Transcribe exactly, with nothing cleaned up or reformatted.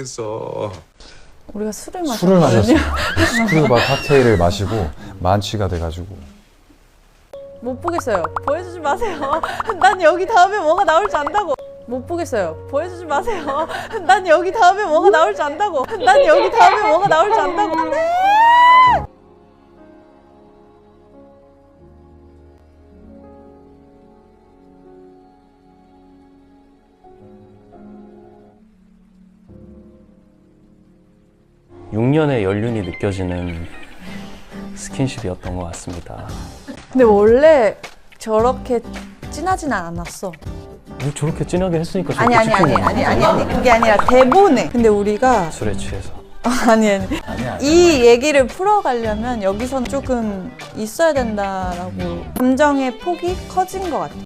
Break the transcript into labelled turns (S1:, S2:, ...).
S1: 못하겠어.
S2: 우리가 술을
S3: 술을
S2: 마셨거든요.
S3: 마셨어요. 스크류바 칵테일을 마시고 만취가 돼가지고
S2: 못 보겠어요. 보여주지 마세요. 난 여기 다음에 뭐가 나올지 안다고. 못 보겠어요. 보여주지 마세요. 난 여기 다음에 뭐가 나올지 안다고. 난 여기 다음에 뭐가 나올지 안다고. 안 돼!
S4: 육 년의 연륜이 느껴지는 스킨십이었던 것 같습니다.
S2: 근데 원래 저렇게 진하진 않았어.
S4: 뭐 저렇게 진하게 했으니까
S2: 아니
S4: 저렇게
S2: 아니 아니
S4: 찍힌
S2: 아니
S4: 건데.
S2: 아니 아니 그게 아니라 대본에. 근데 우리가
S4: 술에 취해서.
S2: 아니 아니 이 얘기를 풀어가려면 여기서는 조금 있어야 된다라고 감정의 폭이 커진 것 같아.